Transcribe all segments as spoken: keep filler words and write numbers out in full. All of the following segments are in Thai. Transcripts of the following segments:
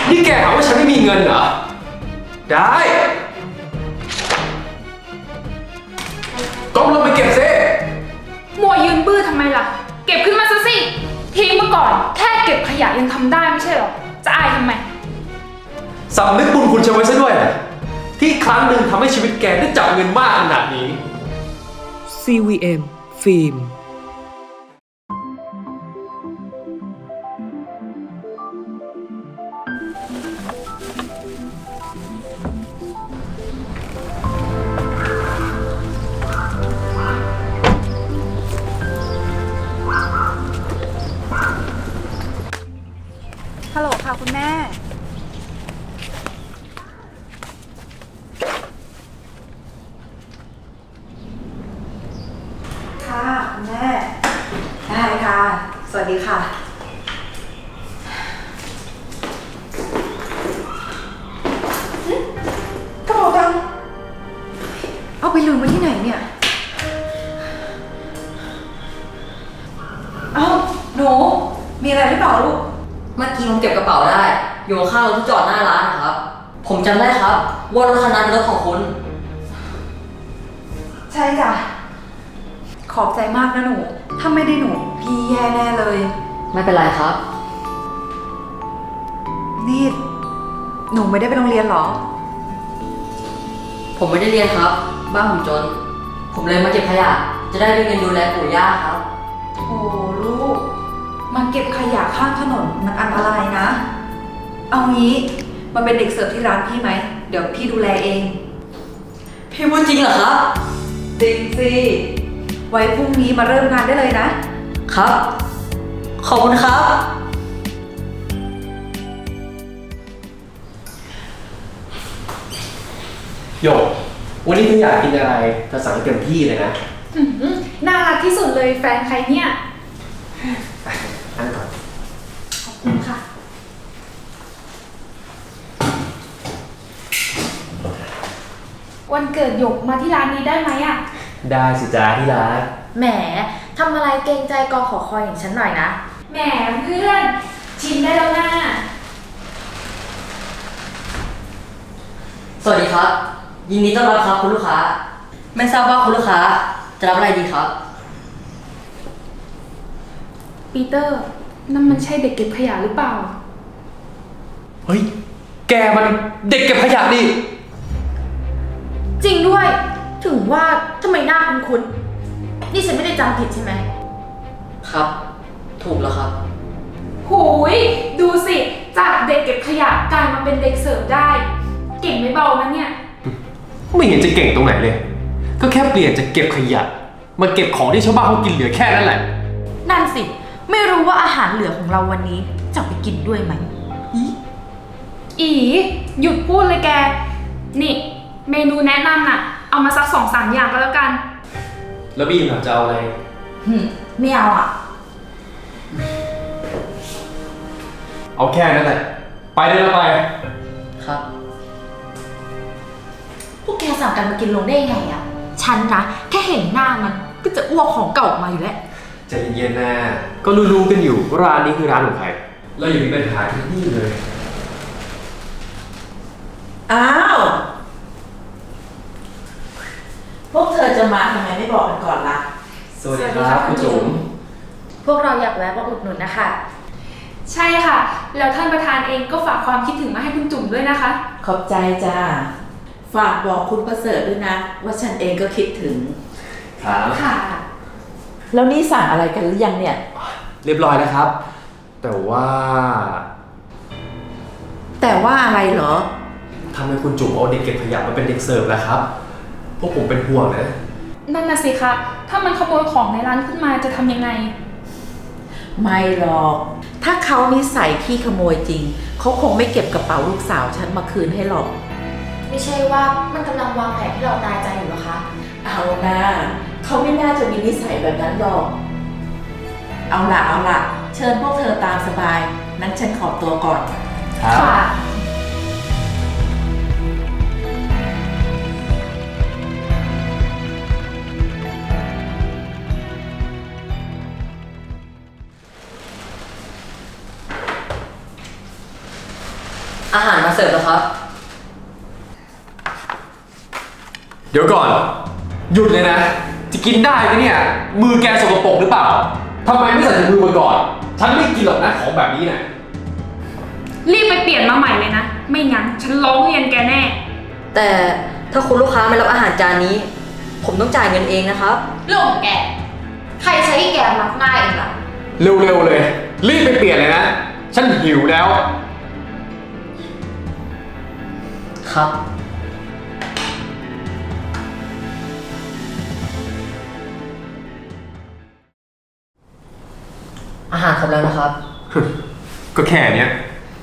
นี่แกหาว่าฉันไม่มีเงินเหรอได้ก้มลงไปเก็บซิมัวยืนบื้อทำไมล่ะเก็บขึ้นมาซะสิทีเมื่อก่อนแค่เก็บขยะยังทำได้ไม่ใช่หรอจะอายทำไมสำนึกบุญคุณฉันไว้ซะด้วยนะที่ครั้งหนึ่งทำให้ชีวิตแกได้จับเงินมากขนาดนี้ซี วี เอ็ม ฟิล์มฮัลโหลค่ะคุณแม่ค่ะคุณแม่ได้ค่ะสวัสดีค่ะกระเป๋าตังค์เอาไปลืมไว้ที่ไหนเนี่ยเอ้าหนูมีอะไรหรือเปล่าลูกเมื่อกี้ผมเก็บกระเป๋าได้อยู่ข้างรถที่จอดหน้าร้านนะครับผมจำได้ครับว่ารถคันนั้นเป็นรถของคุณใช่จ้ะขอบใจมากนะหนูถ้าไม่ได้หนูพี่แย่แน่เลยไม่เป็นไรครับนี่หนูไม่ได้ไปโรงเรียนหรอผมไม่ได้เรียนครับบ้านผมจนผมเลยมาเก็บขยะจะได้มีเงินดูแลปู่ย่าครับโอ้ลูกมาเก็บขยะข้างถนนมันอันตรายนะเอางี้มาเป็นเด็กเสิร์ฟที่ร้านพี่ไหมเดี๋ยวพี่ดูแลเองพี่พูดจริงเหรอครับจริงสิไว้พรุ่งนี้มาเริ่มงานได้เลยนะครับขอบคุณครับโยกวันนี้เธออยากกินอะไรเธอสั่งให้เต็มที่เลยนะน่ารักที่สุดเลยแฟนใครเนี่ยนั่งก่อนขอบคุณค่ะวันเกิดหยกมาที่ร้านนี้ได้ไหมอ่ะได้สิจ้าที่รักแหมทำอะไรเกรงใจกอขอคอยอย่างฉันหน่อยนะแหมเพื่อนชิมได้แล้วนะสวัสดีครับยินดีต้อนรับครับคุณลูกค้าไม่ทราบว่าคุณลูกค้าจะรับอะไรดีครับปีเตอร์นั่นมันใช่เด็กเก็บขยะหรือเปล่าเฮ้ยแกมันเด็กเก็บขยะดิจริงด้วยถึงว่าทำไมหน้าคุ้นๆนี่ฉันไม่ได้จำผิดใช่ไหมครับถูกแล้วครับหูยดูสิจากเด็กเก็บขยะกลายมาเป็นเด็กเสิร์ฟได้เก่งไม่เบานะเนี่ยไม่เห็นจะเก่งตรงไหนเลยก็แค่เปลี่ยนจากเก็บขยะมาเก็บของที่ชาวบ้านเขากินเหลือแค่นั้นแหละนั่นสิไม่รู้ว่าอาหารเหลือของเราวันนี้จะไปกินด้วยไหมอีอีหยุดพูดเลยแกนี่เมนูแนะนำน่ะเอามาสักสองสามอย่างก็แล้วกันแล้วบีมล่ะจะเอาอะไรหืมไม่เอาอ่ะเอาแค่นั้นแหละไปได้แล้วไปครับพวกแกสั่งกันมากินลงได้ยังไงอ่ะฉันนะแค่เห็นหน้ามันก็จะอ้วกของเก่าออกมาอยู่แล้วใจเย็นๆนะก็รู้ๆกันอยู่ว่าร้านนี้คือร้านของใครเราอย่ามีปัญหาที่นี่เลยอ้าวพวกเธอจะมาทำไมไม่บอกกันก่อนล่ะสวัสดีครับคุณจุ๋มพวกเราอยากแวะมาอุดหนุนนะคะใช่ค่ะแล้วท่านประธานเองก็ฝากความคิดถึงมาให้คุณจุ๋มด้วยนะคะขอบใจจ้าฝากบอกคุณประเสริฐด้วยนะว่าฉันเองก็คิดถึงครับค่ะแล้วนี่สั่งอะไรกันหรือยังเนี่ยเรียบร้อยแล้วครับแต่ว่าแต่ว่าอะไรเหรอทำไมคุณจุ๋มเอาเด็กเก็บขยะมาเป็นเด็กเสิร์ฟล่ะครับพวกผมเป็นห่วงนะนั่นน่ะสิคะถ้ามันขโมยของในร้านขึ้นมาจะทำยังไงไม่หรอกถ้าเขานิสัยขี้ขโมยจริงเขาคงไม่เก็บกระเป๋าลูกสาวฉันมาคืนให้หรอกไม่ใช่ว่ามันกำลังวางแผนให้เราตายใจอยู่หรอคะเอานะเขาไม่น่าจะมีนิสัยแบบนั้นหรอกเอาล่ะเอาล่ะเชิญพวกเธอตามสบายนั้นฉันขอตัวก่อนค่ะอาหารมาเสิร์ฟแล้วครับเดี๋ยวก่อน หยุดเลยนะ จะกินได้ไหมเนี่ย มือแกสกปรกหรือเปล่าทำไมไม่ใส่ถุงมือมาก่อน ฉันไม่กินหรอกนะของแบบนี้นะรีบไปเปลี่ยนมาใหม่เลยนะ ไม่งั้นฉันร้องเรียนแกแน่แต่ถ้าคุณลูกค้าไม่รับอาหารจานนี้ ผมต้องจ่ายเงินเองนะครับเรื่องของแก ใครใช้ให้แกมักง่ายเองล่ะเร็วๆเลย รีบไปเปลี่ยนเลยนะ ฉันหิวแล้วครับ อาหารครบแล้วนะครับก็แค่เนี้ย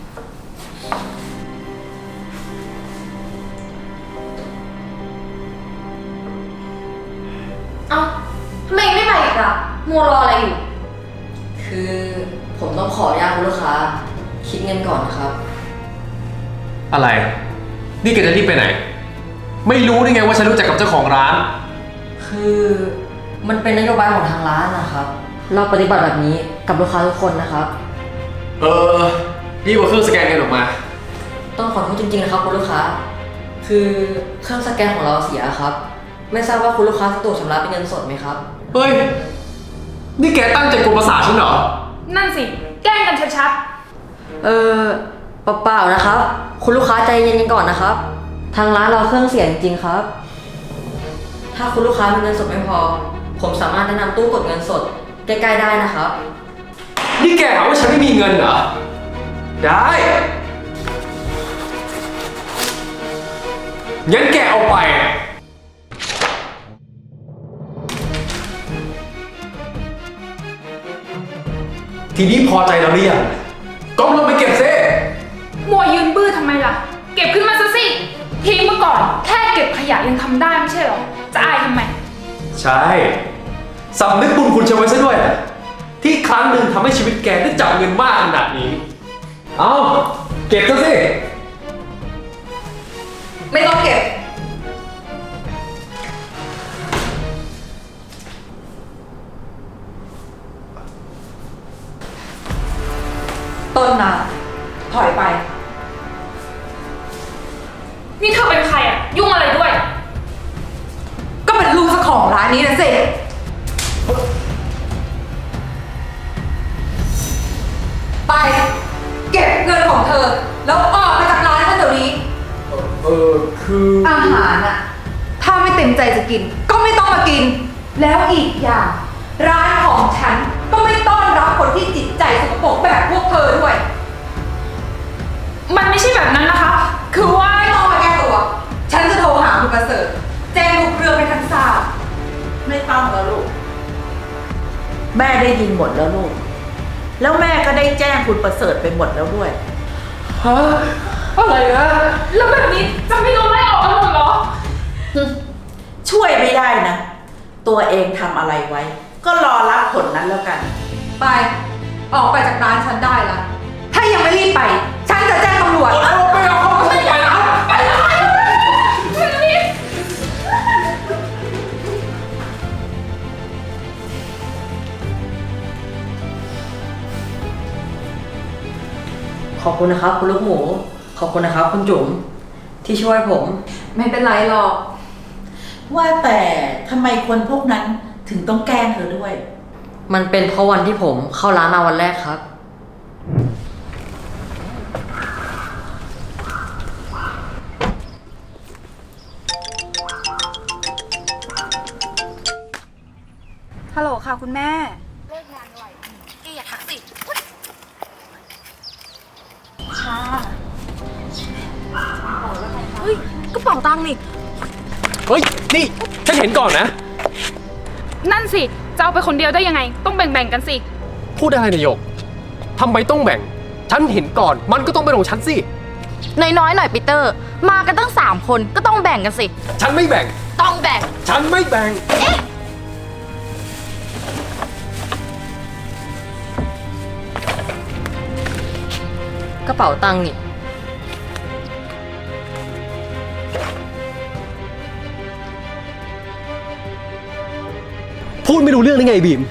เอ้าทำไมไม่มาอีกล่ะมัวรออะไรอยู่คือผมต้องขออนุญาตคุณลูกค้า คิดเงินก่อนนะครับอะไร นี่แกจะรีบไปไหน ไม่รู้ได้ไงว่าฉันรู้จักกับเจ้าของร้านคือมันเป็นนโยบายของทางร้านนะครับ เราปฏิบัติแบบนี้กับลูกค้าทุกคนนะครับเออรีบเอาเครื่องสแกนเงินออกมาต้องขอโทษจริงๆนะครับคุณลูกค้า คือเครื่องสแกนของเราเสียครับ ไม่ทราบว่าคุณลูกค้าสะดวกชำระเป็นเงินสดไหมครับเฮ้ย นี่แกตั้งใจกวนประสาทฉันเหรอนั่นสิ แกล้งกันชัดเออเปล่าๆนะครับ คุณลูกค้าใจเย็นๆก่อนนะครับ ทางร้านเราเครื่องเสียจริงๆครับ ถ้าคุณลูกค้ามีเงินสดไม่พอ ผมสามารถแนะนำตู้กดเงินสดใกล้ๆได้นะครับนี่แกหาว่าฉันไม่มีเงินเหรอ ได้ งั้นแกเอาไป ทีนี้พอใจแล้วหรือยังก้มลงไปเก็บซิๆ มัวยืนบื้อทำไมล่ะ เก็บขึ้นมาซะสิ ทิ้งมาก่อน แค่เก็บขยะยังทำได้ไม่ใช่เหรอ จะอายทำไมใช่สำนึกบุญคุณฉันไว้ซะด้วย ที่ครั้งหนึ่งทำให้ชีวิตแกได้จับเงินมากขนาดนี้ เอาเก็บซะสิไม่ต้องเก็บ ต้นน้ำถอยไปนี่เธอเป็นใครอะยุ่งอะไรด้วยก็เป็นลูกเจ้าของร้านนี้นะสิ ไป เก็บเงินของเธอ แล้วออกไปจากร้านฉันเดี๋ยวนี้เออคืออาหารอะถ้าไม่เต็มใจจะกิน ก็ไม่ต้องมากิน แล้วอีกอย่าง ร้านของฉันก็ไม่ต้อนรับคนที่จิตใจสกปรกแบบพวกเธอด้วยมันไม่ใช่แบบนั้นนะคะ คือว่าไม่ต้องมาแก้ตัว ฉันจะโทรหาคุณประเสริฐแจ้งทุกเรื่องให้ท่านทราบไม่ต้องแล้วลูก แม่ได้ยินหมดแล้วลูก แล้วแม่ก็ได้แจ้งคุณประเสริฐไปหมดแล้วด้วยฮะอะไรนะแล้วแบบนี้จะไม่โดนไล่ออกกันหมดเหรอช่วยไม่ได้นะ ตัวเองทำอะไรไว้ ก็รอรับผลนั้นแล้วกันไป ออกไปจากร้านฉันได้ละ ถ้ายังไม่รีบไป ฉันจะแจ้งตำรวจเอาไปเอาเขาไปไปนะไปนะขอบคุณนะครับ คุณลูกหมู ขอบคุณนะครับ คุณจุ๋มที่ช่วยผมไม่เป็นไรหรอกว่าแต่ทำไมคนพวกนั้นถึงต้องแกล้งเธอด้วยมันเป็นเพราะวันที่ผมเข้าร้านมาวันแรกครับฮัลโหลค่ะคุณแม่เลิกงานไวแกอย่าทักสิค่ะเฮ้ยกระเป๋าตังค์นี่เฮ้ย นี่ ฉันเห็นก่อนนะนั่นสิ จะเอาไปคนเดียวได้ยังไง ต้องแบ่งๆกันสิพูดอะไรนายกทำไมต้องแบ่ง ฉันเห็นก่อน มันก็ต้องเป็นของฉันสิน้อยๆหน่อยปีเตอร์ มากันตั้งสามคนก็ต้องแบ่งกันสิฉันไม่แบ่งต้องแบ่งฉันไม่แบ่งกระเป๋าตังค์นี่พูดไม่รู้เรื่องได้ไงบีม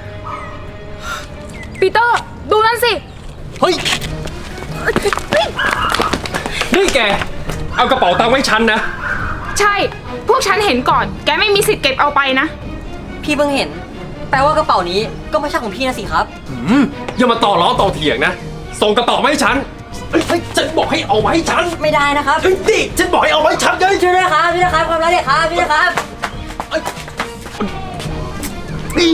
ปีเตอร์ ดูนั่นสิเฮ้ยนี่แก เอากระเป๋าตังค์ไว้ฉันนะใช่ พวกฉันเห็นก่อน แกไม่มีสิทธิ์เก็บเอาไปนะพี่เพิ่งเห็น แปลว่ากระเป๋านี้ก็ไม่ใช่ของพี่นะสิครับอืมอย่ามาต่อล้อต่อเถียงนะ ส่งกระเป๋ามาให้ฉันเฮ้ยเฮ้ยฉันบอกให้เอามาให้ฉันไม่ได้นะครับเฮ้ยนี่ฉันบอกให้เอามาให้ฉันเลยช่วยด้วยครับพี่นะครับความรักเนี่ยครับพี่นะครับนี่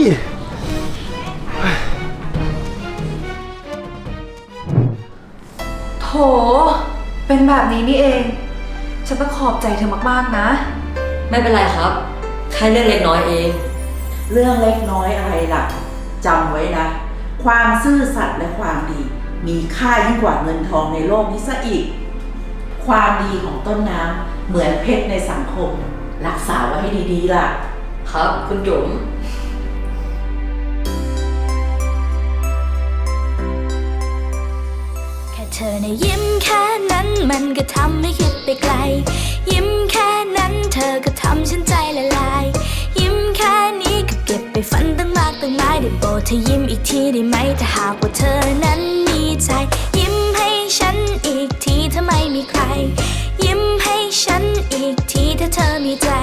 โถ เป็นแบบนี้นี่เอง ฉันต้องขอบใจเธอมากๆนะไม่เป็นไรครับ แค่เรื่องเล็กน้อยเองเรื่องเล็กน้อยอะไรล่ะจำไว้นะ ความซื่อสัตย์และความดี มีค่ายิ่งกว่าเงินทองในโลกนี้ซะอีก ความดีของต้นน้ำเหมือนเพชรในสังคม รักษาไว้ให้ดีๆล่ะครับคุณจุ๋มแค่เธอในะยิ้มแค่นั้นมันก็ทำให้คิดไปไกล ยิ้มแค่นั้นเธอก็ทำฉันใจละลาย ยิ้มแค่นี้ก็เก็บไปฝันตั้งมากตั้งหลายได้โปรดเธอยิ้มอีกทีได้ไหมถ้าหากว่าเธอนั้นมีใจ ยิ้มให้ฉันอีกทีถ้าไม่มีใคร ยิ้มให้ฉันอีกทีถ้าเธอมีใจ